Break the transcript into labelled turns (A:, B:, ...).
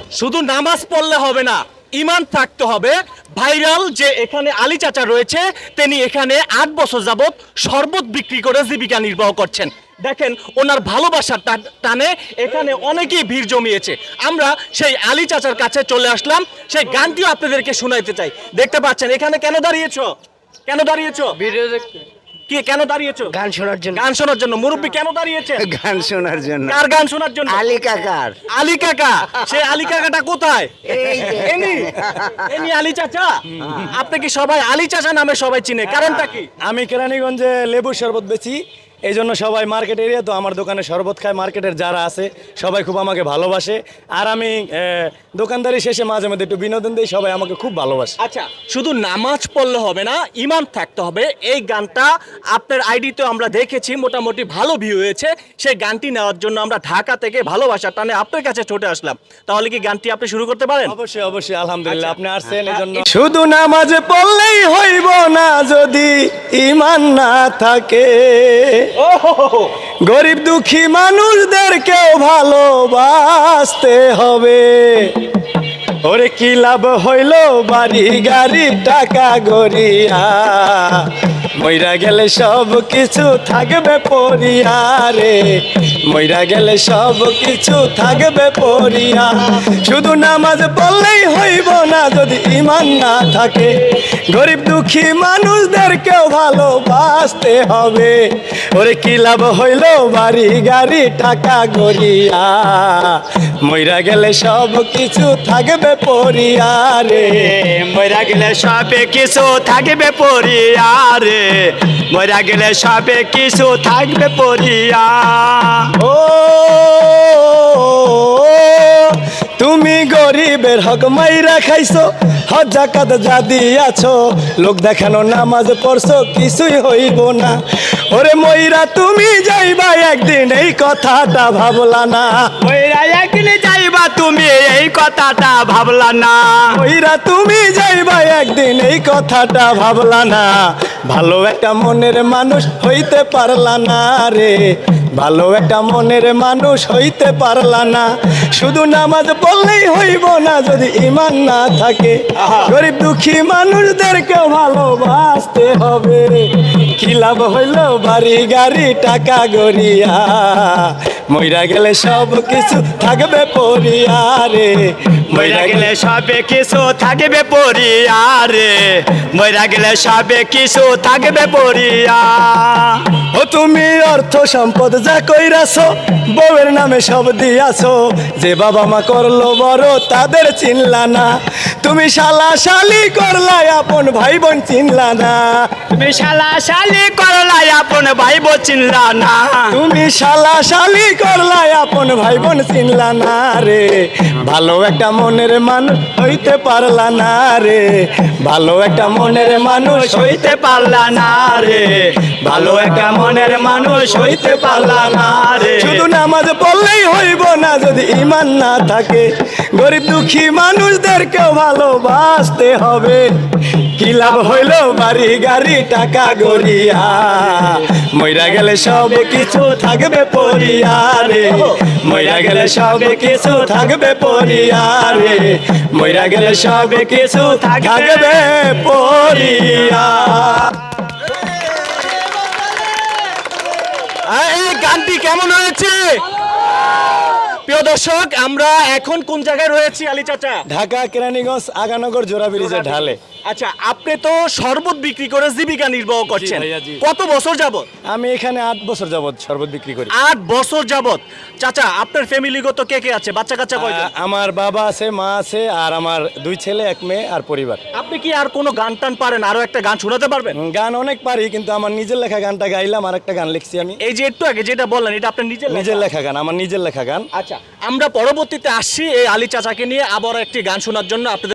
A: শুধু নামাজ পড়লে হবে না, ঈমান থাকতে হবে। ভাইরাল যে এখানে আলী চাচা রয়েছে, তিনি এখানে 8 বছর যাবত শরবত বিক্রি করে জীবিকা নির্বাহ করছেন। দেখেন ওনার ভালোবাসার টানে এখানে অনেকেই ভিড় জমিয়েছে। আমরা সেই আলী চাচার কাছে চলে আসলাম, সেই গানটিও আপনাদেরকে শোনাইতে চাই। দেখতে পাচ্ছেন এখানে কেন দাঁড়িয়েছো? কেন দাঁড়িয়েছো?
B: ভিডিও দেখতে,
A: কি কেন দাঁড়িয়েছো?
B: গান শোনার জন্য।
A: গান শোনার জন্য। মুরব্বী কেন দাঁড়িয়েছে?
C: গান শোনার জন্য।
A: কার গান শোনার জন্য?
C: আলী কাকার।
A: আলী কাকা। সেই আলী কাকাটা কোথায়?
C: এই যে।
A: এনি আলী চাচা। আপনি কি সবাই আলী চাচা নামে সবাই চিনে, কারণটা কি?
D: আমি কেরানীগঞ্জে লেবুর শরবত বেচি, এই জন্য সবাই মার্কেট এরিয়া তো আমার দোকানে শরবত খায়। মার্কেটের যারা আছে সবাই খুব আমাকে ভালোবাসে, আর আমি দোকানদারি শেষে মাঝে মধ্যে একটু বিনোদন দিই, সবাই আমাকে খুব ভালোবাসে।
A: আচ্ছা, শুধু নামাজ পড়লে হবে না, ঈমান থাকতে হবে। এই গানটা আপনার আইডিতে আমরা দেখেছি, মোটামুটি ভালো ভিউ হয়েছে। সেই গানটি নেওয়ার জন্য আমরা ঢাকা থেকে ভালোবাসার টানে আপনার কাছে ছুটে আসলাম। তাহলে কি গানটি আপনি শুরু করতে পারেন?
D: অবশ্যই অবশ্যই, আলহামদুলিল্লাহ,
A: আচ্ছা।
D: আপনি আসছেন এই জন্য। শুধু নামাজ পড়লেই হইব না যদি ঈমান না থাকে, গরিব দুঃখী মানুষদেরকেও ভালোবাসতে হবে। ওরে কি লাভ হইল বাড়ি গাড়ি টাকা গড়িয়া, মইরা গেলে সব কিছু থাকবে পরিয়া রে, মইরা গেলে সব কিছু থাকবে পরিয়া। শুধু নামাজ পড়লেই হইব না যদি ঈমান না থাকে, গরিব দুঃখী মানুষদেরকেও ভালোবাসতে হবে। ওরে কি লাভ হইল বাড়ি গাড়ি টাকা গড়িয়া, মইরা গেলে সব কিছু থাকবে পরিয়া রে,
E: মরা গেলে সবে কিছু থাকবে পরিয়া রে, মরা গেলে সবে কিছু থাকবে পরিয়া।
D: ও তুমি গরিবের হক মাইরা খাইছো, হজ জাকাত যা দিয়াছো, লোক দেখানো নামাজ পড়ছো, কিছুই হইব না। ওরে মইরা তুমি যাইবা একদিন, এই কথাটা ভাবলা না।
E: মরা একদিন যাইবা তুমি, এই কথাটা ভাবলা না।
D: মইরা তুমি যাইবা একদিন, এই কথাটা ভাবলা না। ভালো একটা মনের মানুষ হইতে পারলা না রে, ভালো একটা মনের মানুষ হইতে পারলা না। শুধু নামাজ পড়লেই হইব না যদি ঈমান না থাকে, গরিব দুঃখী মানুষদেরকে ভালোবাসতে হবে। কি লাভ হইল বাড়ি গাড়ি টাকা গড়িয়া, মইরা গেলে সব কিছু থাকবে পরিয়া রে,
E: মরা গেলে সবে কিছু থাকবে পরিয়া রে, মরা গেলে সবে কিছু থাকবে পরিয়া।
D: ও তুমি অর্থ সম্পদ যা কইরাছো, বউয়ের নামে সব দিয়াছো, যে বাবা মা করলো বড় তাদের চিনলা না। তুমি শালা শালি করলা আপন ভাই বোন চিনলা না,
E: তুমি শালা শালি করলা আপন ভাই বোন চিনলা না।
D: তুমি শালা শালি করলা আপন ভাই বোন চিনলা না রে, ভালো একটা মনের মানুষ হইতে পারলা না রে, ভালো একটা মনের মানুষ
E: হইতে পারলা না রে, ভালো একটা মনের মানুষ হইতে পারলা না রে।
D: শুধু নামাজ পড়লেই হইব না যদি ঈমান না থাকে, গরিব দুঃখী মানুষদেরকেও ভালোবাসতে হবে। কি লাভ হইল বাড়ি গাড়ি টাকা গড়িয়া, মইরা গেলে সব কিছু থাকবে পরিয়া রে, মইরা গেলে সব কিছু থাকবে পরিয়া রে, মইরা গেলে সব কিছু থাকবে পরিয়া।
A: এই গানটি কেমন হয়েছে? প্রিয় দর্শক, আমরা এখন কোন জায়গায় রয়েছি আলী চাচা?
D: ঢাকা কেরানীগঞ্জ আগানগর জোড়া ব্রিজের ঢালে।
A: আচ্ছা, আপনি তো শরবত বিক্রি করে জীবিকা নির্বাহ করছেন,
D: ভাইয়া, জি।
A: কত বছর যাবত?
D: আমি এখানে 8 বছর যাবত শরবত বিক্রি করি।
A: 8 বছর যাবত। চাচা, আপনার ফ্যামিলিগত কে কে আছে? বাচ্চা কাচ্চা কয়জন?
D: আমার বাবা আছে, মা আছে, আর আমার 2 ছেলে 1 মেয়ে আর পরিবার।
A: আপনি কি আর কোনো গান টান পারেন? আরো একটা গান শোনাতে পারবেন?
D: গান অনেক পারি, কিন্তু আমার নিজের লেখা গানটা গাইলাম, আর একটা গান লিখছি আমি।
A: এই যে একটু আগে যেটা বললেন, এটা আপনার নিজের
D: নিজের
A: লেখা?
D: লেখা গান, আমার নিজের লেখা গান।
A: আচ্ছা, আমরা পরবর্তীতে আসছি এই আলী চাচাকে নিয়ে আবার একটি গান শোনার জন্য আপনাদের।